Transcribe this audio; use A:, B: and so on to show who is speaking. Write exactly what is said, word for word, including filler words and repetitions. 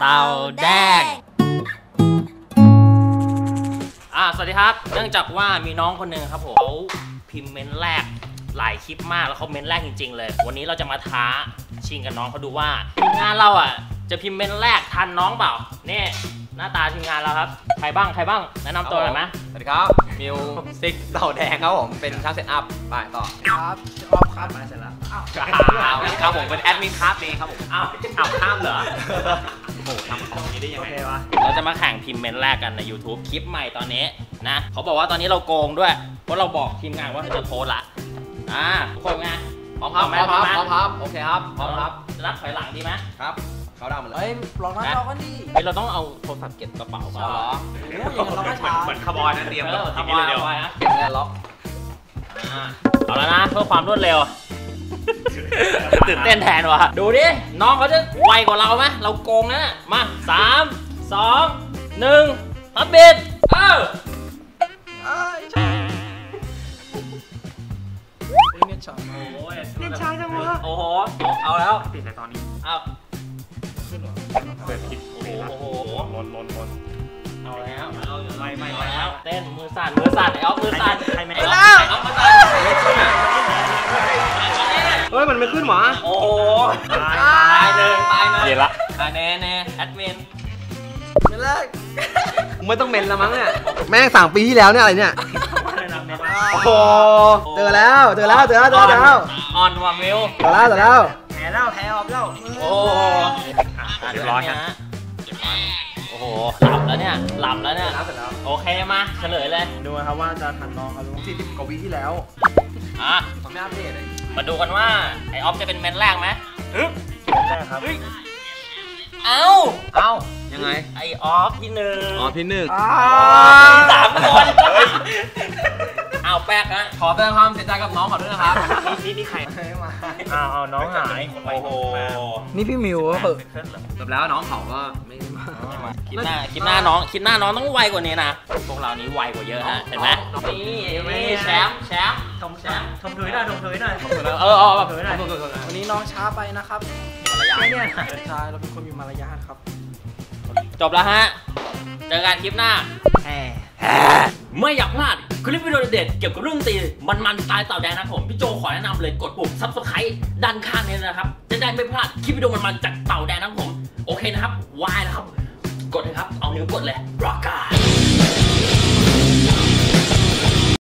A: เต่าแดงอ่าสวัสดีครับเนื่องจากว่ามีน้องคนหนึ่งครับผมเขาพิมพ์เมนแรกหลายคลิปมากแล้วเขาเมนแรกจริงๆเลยวันนี้เราจะมาท้าชิงกับน้องเขาดูว่าทีมงานเราอ่ะจะพิมพ์เมนแรกทันน้องเปล่านี่หน้าตาทีมงานเราครับใครบ้างใครบ้างแนะนำตัวหน่อยไหม
B: สวัสดีครับมิวซิกเต่าแดงครับผมเป็นช่างเซตอัพไปต่อ
C: ครับออฟครับมาเสร็จแล้วอ้าว
B: ครับผมเป็นแอดมินครับเองครับผม
A: อ้าวอ้าวข้ามเหรอ
B: โอ้ทำของนี้ได้ยังไงวะ
A: เราจะมาแข่งพิมพ์เมนแรกกันใน YouTube คลิปใหม่ตอนนี้นะเขาบอกว่าตอนนี้เราโกงด้วยเพราะเราบอกทีมงานว่าจะโพสละอ่าทุกคนไง
B: พร้อมครับพร้อมครับพร้อมครับโอเคครับพร้อมครับ
A: นับถอยหลังดีไหม
B: ครับเขาดาวหมดเลย
C: เฮ้ยลองนับเรากันดิ
A: เฮ้ยเราต้องเอาโทรศัพท์เก็บกระเป๋าก่อนเหรอ
C: เราก็ช้า
B: เหมือนคาร์บอนนะเตรียมแบบ
A: คาร์บอนเดียวนะ
B: เก็บเงินล็อก
A: เอาแล้วนะเพื่อความรวดเร็วตื่นเต้นแทนว่ะดูดิน้องเขาจะไวกว่าเราไหมเราโกงนะมาสามสองหนึ่งฮับบิดเอ้า
C: เน็ตช้า
A: โอ้ย
C: เน็ตช้าจังวะ
A: โอ้โหเอาแล้ว
B: ปิดในตอนนี้
A: เอา
B: เปิดคิด
A: โอ้โหโอ้โห
B: ลนลนลน
A: เอาแล้ว
B: เอาไม่ไม่
A: ไม่แล้วเต้นมือสั่นมือสั่นไอ้ออฟมือสั่น
B: ใครไม่
A: ได้
B: ไ
A: อ้อฟมือสั่น
B: เฮ้ยมันไม่ขึ้นหรอ
A: โอ้โหตายเลยตายเลย
B: เดี๋ยวละ
A: อ่าเน่เน่แอดมิน
C: ไม่แรก
B: ไม่ต้องเมนแล้วมั้งเนี่ยแม่งสั่งปีที่แล้วเนี่ยอะไรเนี่ยโอ้โหเจอแล้วเจอแล้วเจอแล้วเจอแล้ว
A: ออนวามิล
B: เจอแล้วเจอแล้ว
C: แพ้แล้วแพ้ออฟแล้ว
A: โอ้เรียบร้อยฮะโอ้โหหลับแล้วเนี่ยหลับแล้วเนี่ยโอเคมาเฉลยเลย
C: ดูครับว่าจะทันน้องเขาสี่สิบกว่าวิที่แล้ว
A: อ่ะ
C: ผมไม่อัปเดตเลย
A: มาดูกันว่าไอออฟจะเป็นเมนแรกไหม
C: ฮึแรกครับ
A: เอ้า
B: เอ้ายังไง
A: ไอออฟที่หนึ่ง
B: อ๋อพี่หนึ่ง
A: สามคนเอาแป๊กนะ
B: ขอแสดงความเสียใจกับน้องขอด้วยนะครับ
A: นี่นี่ใคร
C: มา
A: อ้าวน้องหายโอ้โห
C: นี่พี่มิวเหรอ
B: จบแล้วน้องเขาก็ไม่มา
A: คิดหน้าคิดหน้าน้องคิดหน้าน้องต้องไวกว่านี้นะพวกเรานี้ไวกว่าเยอะฮะเห็นไหมนี่แชมป์แชมป์
C: ชมแชมป์ชมถุยหน่อยชมถุยหน่อย
A: เออเออแบบ
C: วันนี้น้องช้าไปนะครับ
A: ไม่
C: เนี่ยใช่เราเป็นคนมีมารยาทครับ
A: จบแล้วฮะเจอกันคลิปหน้าไม่อยากพลาดคลิปวิดีโอเด็ดเกี่ยวกับเรื่องตีมันๆสไตล์เต่าแดงนะผมพี่โจขอแนะนำเลยกดปุ่มซับสไครต์ด้านข้างนี้นะครับจะได้ไม่พลาดคลิปวิดีโอมันๆจากเต่าแดงนะผมโอเคนะครับวายนะครับกดเลยครับเอานิ้วกดเลยรอการ